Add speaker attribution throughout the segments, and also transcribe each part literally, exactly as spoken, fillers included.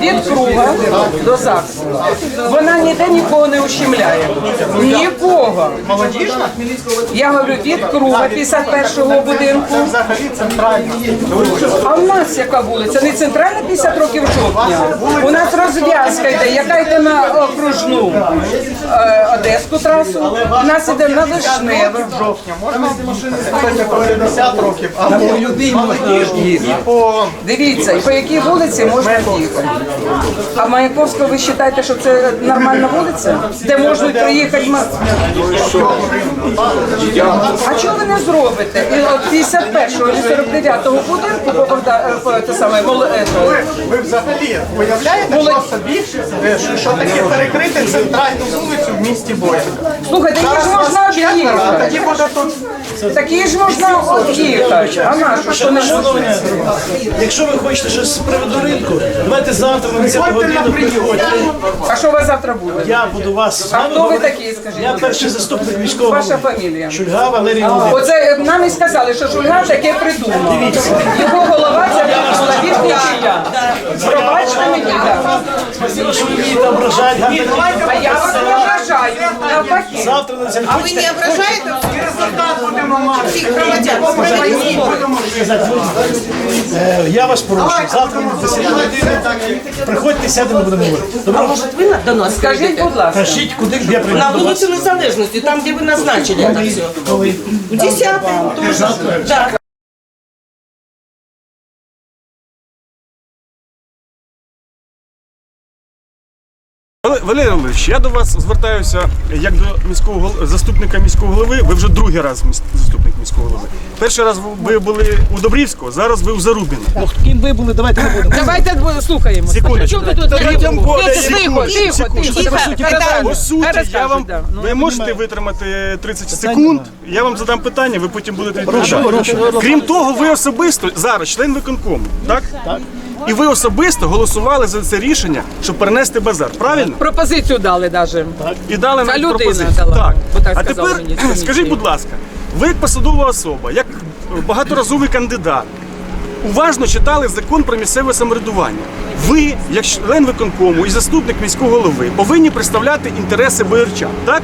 Speaker 1: від круга до ЗАГСу. Вона ніде нікого не ущемляє. Нікого.
Speaker 2: Молодіжна?
Speaker 1: Я говорю, від круга п'ятдесят першого будинку.
Speaker 2: Це взагалі центральна.
Speaker 1: А в нас яка вулиця? Не центральна п'ятдесят років жовтня. У нас розв'язка йде, яка йде на окружну е, Одеську трасу. У нас йде на Вишневе.
Speaker 2: Жовтня. Можна їхати по п'ятдесят років, а по молодіжній і по...
Speaker 1: Дивіться, і по якій вулиці можна їхати. А Маяковського ви вважаєте, що це нормальна вулиця? Де можуть приїхати... ма- А чого ви не зробите? І от п'ятдесят першого і сорок дев'ятого будинку по Богда- по те саме моле- ето,
Speaker 2: Ви, ви взагалі уявляєте
Speaker 1: Молодь-
Speaker 2: просто більше, що, що таке перекрити центральну вулицю в місті Боярка?
Speaker 1: Слухайте, її ж можна
Speaker 2: А
Speaker 1: об'їхати.
Speaker 2: тоді буде тут...
Speaker 1: Такі ж можна об'їхати. А нашу, що не можна?
Speaker 3: Якщо ви хочете щось з приводу ринку, давайте завтра на десяту
Speaker 2: Приходьте на
Speaker 3: годину
Speaker 2: прийом.
Speaker 3: приходьте.
Speaker 1: А що у вас завтра буде?
Speaker 3: Я буду вас з
Speaker 1: А
Speaker 3: вами
Speaker 1: хто ви
Speaker 3: говорити.
Speaker 1: такі, скажіть?
Speaker 3: Я перший заступник міського
Speaker 1: Ваша
Speaker 3: голови.
Speaker 1: фамілія?
Speaker 3: Шульга Валерій Володимирович.
Speaker 1: Оце нам і сказали, що Шульга таке придумав. Його голова це молодіжний чия. Пробачте мені, так.
Speaker 3: Спасибо, що ви вмієте ображати. гарно.
Speaker 1: А я вас не вважаю, навпаки.
Speaker 3: Завтра на десяту
Speaker 4: А ви не ображаєте всіх громадян?
Speaker 3: Е, Я вас прошу. Завтра на десяту годину. Приходьте, сядемо, будемо говорити.
Speaker 4: А
Speaker 3: Добре?
Speaker 4: може ви до нас
Speaker 1: Скажіть,
Speaker 4: прийдете?
Speaker 1: будь ласка.
Speaker 3: Кажіть, куди я прийду
Speaker 4: На
Speaker 3: до вас.
Speaker 4: вулицю Незалежності, там, де ви назначили це все.
Speaker 3: Коли?
Speaker 4: У десятому теж. Так.
Speaker 5: Валерій Валерійович, я до вас звертаюся як до міського гол- заступника міського голови. Ви вже другий раз міс- заступник міського голови. Перший раз ви були у Добрівського, зараз ви у Зарубіна.
Speaker 3: Ну, ким ви були, давайте не будемо.
Speaker 1: Давайте слухаємо.
Speaker 5: Секундочку.
Speaker 1: Чого ви тут?
Speaker 5: Третім колі,
Speaker 1: Тихо, тихо, тихо.
Speaker 5: По суті, я
Speaker 1: Розкажіть,
Speaker 5: вам
Speaker 1: да. Ну,
Speaker 5: ви можете витримати тридцять секунд. Я вам задам питання, ви потім будете відповідати. Крім того, ви особисто зараз член виконкому, так? Так. І ви особисто голосували за це рішення, щоб перенести базар. Правильно?
Speaker 1: Пропозицію дали навіть.
Speaker 5: І дали
Speaker 1: Ця
Speaker 5: нам
Speaker 1: людина
Speaker 5: пропозицію.
Speaker 1: дала,
Speaker 5: Так.
Speaker 1: бо так
Speaker 5: А
Speaker 1: сказали
Speaker 5: тепер
Speaker 1: мені з комісії.
Speaker 5: скажіть, будь ласка, ви як посадова особа, як багаторазовий кандидат, уважно читали закон про місцеве самоврядування. Ви, як член виконкому і заступник міського голови, повинні представляти інтереси боярчан, так?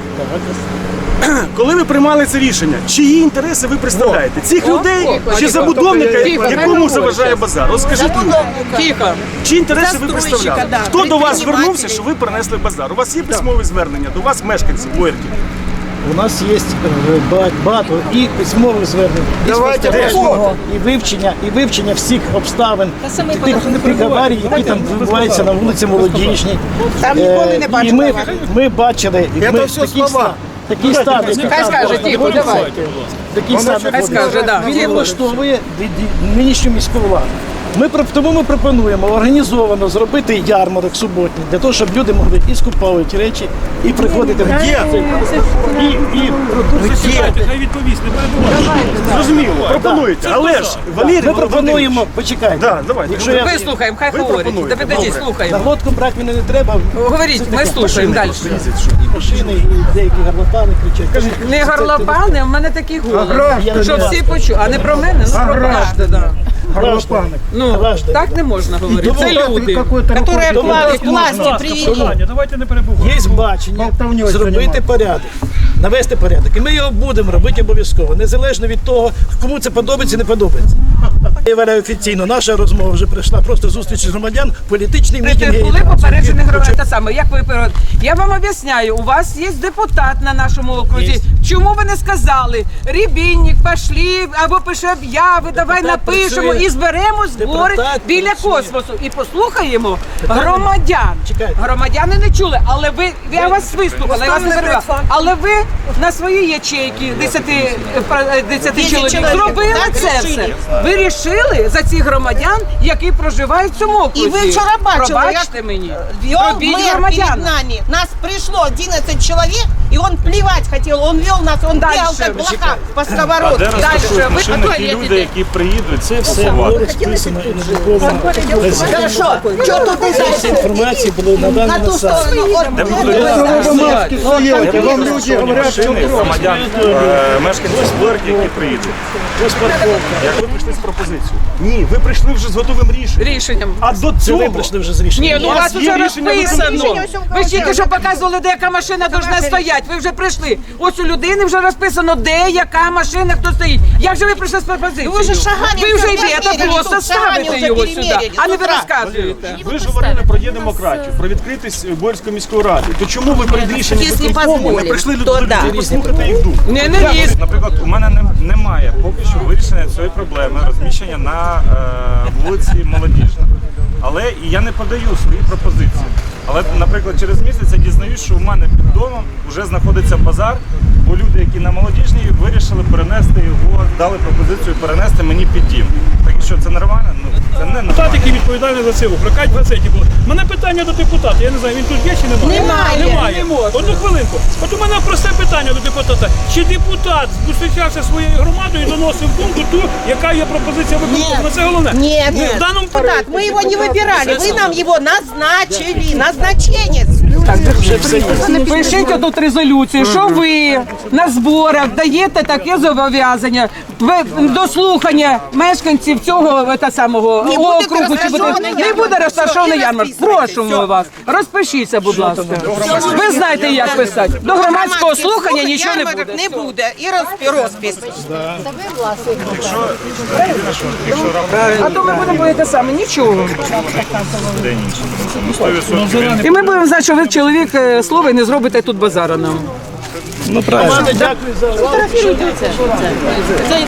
Speaker 5: Коли ви приймали це рішення, чиї інтереси ви представляєте? Цих
Speaker 1: О,
Speaker 5: людей
Speaker 1: о,
Speaker 5: чи
Speaker 1: тихо,
Speaker 5: забудовника,
Speaker 1: тихо, хай
Speaker 5: якому
Speaker 1: говорить
Speaker 5: заважає
Speaker 1: щас.
Speaker 5: базар? От скажіть мені,
Speaker 1: Тихо.
Speaker 5: чи інтереси ви
Speaker 4: Застройщика,
Speaker 5: представляли?
Speaker 4: да,
Speaker 5: Хто до вас
Speaker 4: предпринимателей.
Speaker 5: звернувся, що ви принесли базар? У вас є письмове звернення до вас, мешканців Боярки?
Speaker 3: У нас є е, ба- багато і письмових звернень, і спостережень, і вивчення, і вивчення всіх обставин тих, тих аварій, які там відбуваються на вулиці Молодіжній.
Speaker 4: Там
Speaker 3: Е,
Speaker 4: ніколи не
Speaker 3: і
Speaker 4: бачили
Speaker 3: ми,
Speaker 4: аварій.
Speaker 3: ми бачили, і ми такий ста- такий стан, який
Speaker 1: Хай скаже, тихо, давай.
Speaker 3: такий стан,
Speaker 1: Хай скаже, да.
Speaker 3: він не влаштовує ді- ді- нинішню міську владу. Ми про- тому ми пропонуємо організовано зробити ярмарок суботній, для того, щоб люди могли і скуповувати речі, і приходити в і, і продукцію.
Speaker 6: Хай відповість, не перебувайте.
Speaker 5: Зрозуміло, пропонуєте, але ж Валерій
Speaker 3: Ми пропонуємо, почекайте.
Speaker 5: Да, давайте.
Speaker 3: Якщо я
Speaker 1: Вислухаємо, хай
Speaker 5: Ви
Speaker 1: говорить.
Speaker 5: пропонуєте.
Speaker 1: Да підождіть,
Speaker 3: на
Speaker 1: слухаємо.
Speaker 3: глотку брати мене не треба.
Speaker 1: Говоріть, ми слухаємо далі.
Speaker 3: І машини, і деякі гарлопани кричать.
Speaker 1: Не горлопани, в мене такий голос.
Speaker 3: Я
Speaker 1: Щоб
Speaker 3: не
Speaker 1: всі почули. А не про мене, ну про бачите, да.
Speaker 3: Граждане.
Speaker 1: Ну,
Speaker 3: Граждане.
Speaker 1: так не можна говорити. Це люди.
Speaker 4: Которые
Speaker 3: Тому-
Speaker 4: власти, власти привели.
Speaker 6: Питання, давайте не перебувайте.
Speaker 3: Є бачення зробити порядок, навести порядок. І ми його будемо робити обов'язково, незалежно від того, кому це подобається, не подобається. Я вважаю офіційно, наша розмова вже прийшла, просто зустріч громадян, політичний мітинг.
Speaker 1: Ви були попереджені громадяни. Те саме, як ви перед- Я вам об'ясняю, у вас є депутат на нашому окрузі. Чому ви не сказали? Рібінник, пошли, або пише об'яви, давай напишемо
Speaker 3: працює.
Speaker 1: і зберемо збори
Speaker 3: Депутат
Speaker 1: біля
Speaker 3: працює.
Speaker 1: космосу. І послухаємо громадян.
Speaker 3: Чекайте.
Speaker 1: Громадяни не чули, але ви, я вас вислухала, я вас не перебивала. Але ви на свої ячейки, десяти, е, десяти чоловік,
Speaker 4: чоловік,
Speaker 1: зробили
Speaker 4: так,
Speaker 1: це
Speaker 4: рішили.
Speaker 1: все. Ви рішили за цих громадян, які проживають в цьому окрузі.
Speaker 4: І ви вчора бачили,
Speaker 1: Пробачте
Speaker 4: як
Speaker 1: мені.
Speaker 4: вел
Speaker 1: Робіть
Speaker 4: мэр перед
Speaker 1: громадян.
Speaker 4: нами. Нас пришло одиннадцать человек,
Speaker 7: И он плевать хотел, он вел нас, он
Speaker 1: Дальше.
Speaker 7: бегал как блоха по
Speaker 8: А де
Speaker 7: сковородке.
Speaker 8: розташують
Speaker 1: ви-
Speaker 8: машини
Speaker 1: а то
Speaker 8: ті
Speaker 1: я
Speaker 8: люди,
Speaker 1: тебе-
Speaker 8: які приїдуть?
Speaker 3: Це все було розписано і надруковано.
Speaker 7: Хорошо, что тут ты
Speaker 3: Всі інформації були
Speaker 7: на
Speaker 3: надані
Speaker 7: ту
Speaker 3: на сайт.
Speaker 7: сторону? от-
Speaker 8: Де будуть
Speaker 2: Стоїте, вам люди говорять,
Speaker 8: машини громадян, е, мешканців Сплерки, які приїдуть?
Speaker 3: Ось парковка.
Speaker 5: Як ви прийшли з пропозицією? Ні, ви прийшли вже з готовим рішенням.
Speaker 1: Рішенням.
Speaker 5: А до
Speaker 3: Це
Speaker 5: цього
Speaker 3: ви прийшли вже з рішенням.
Speaker 1: Ні, ну у вас
Speaker 5: є
Speaker 1: вже
Speaker 5: рішення
Speaker 1: розписано.
Speaker 7: Рішення всього
Speaker 1: Ви ж тільки
Speaker 7: вказано.
Speaker 1: що показували, де яка машина повинна стояти. Ви вже прийшли. Ось у людини вже розписано, де яка машина, хто стоїть. Як же ви прийшли з пропозицією?
Speaker 7: Ви вже шагами
Speaker 1: Ви вже
Speaker 7: все
Speaker 1: йдете,
Speaker 7: переміряли,
Speaker 1: просто
Speaker 7: тут шагами
Speaker 1: ставите
Speaker 7: вже
Speaker 1: його
Speaker 7: переміряли,
Speaker 1: сюди, а не
Speaker 7: з
Speaker 1: ви
Speaker 7: утра.
Speaker 1: розказуєте.
Speaker 5: Ви ж говорили про є демократію, про відкритість Боярської міської ради. То чому ви перед рішенням
Speaker 7: Якщо
Speaker 5: виконкому не
Speaker 7: дозволять,
Speaker 5: прийшли до
Speaker 7: то
Speaker 5: людей
Speaker 7: да.
Speaker 5: послухати їх думку?
Speaker 1: Не, не лізь.
Speaker 8: Наприклад, у мене не- немає поки що вирішення цієї проблеми розміщення на е, вулиці Молодіжна. Але і я не подаю свої пропозиції. Але, наприклад, через місяць я дізнаюсь, що у мене під домом вже знаходиться базар, бо люди, які на Молодіжній, вирішили перенести його, дали пропозицію перенести мені під дім. Так і що, це нормально? Ну, це не
Speaker 6: Депутат,
Speaker 8: нормально.
Speaker 6: який відповідальний за це, прокать в газеті було. У мене питання до депутата. Я не знаю, він тут є чи немає?
Speaker 7: Немає.
Speaker 6: Немає. Одну хвилинку. От у мене просте питання до депутата. Чи депутат зустрічався зі своєю громадою і доносив думку ту, яка є пропозиція виконкому? Ну, це головне.
Speaker 7: Нет,
Speaker 6: Ні, в даному
Speaker 7: так, мы его не выбирали, вы нам его назначили, назначенец.
Speaker 1: Пишіть тут резолюцію, що ви на зборах даєте таке зобов'язання ви до слухання мешканців цього та самого
Speaker 7: Не буде
Speaker 1: округу. Чи буде,
Speaker 7: розташований
Speaker 1: не
Speaker 7: ярмарок.
Speaker 1: буде розташований
Speaker 7: Все, і
Speaker 1: ярмарк.
Speaker 7: розписуйте.
Speaker 1: Прошу вас, розпишіться, будь ласка. Ви знаєте, як писати. До громадського слухання нічого не
Speaker 7: Ярмарок
Speaker 1: буде.
Speaker 7: не буде. І розпі- розпис.
Speaker 1: А то ми будемо те саме, нічого.
Speaker 8: День інший. Ну, сто відсотків він
Speaker 1: І ми будемо знати, що ви чоловік е, слова і не зробите тут базара нам.
Speaker 3: Ну правильно. Дякую за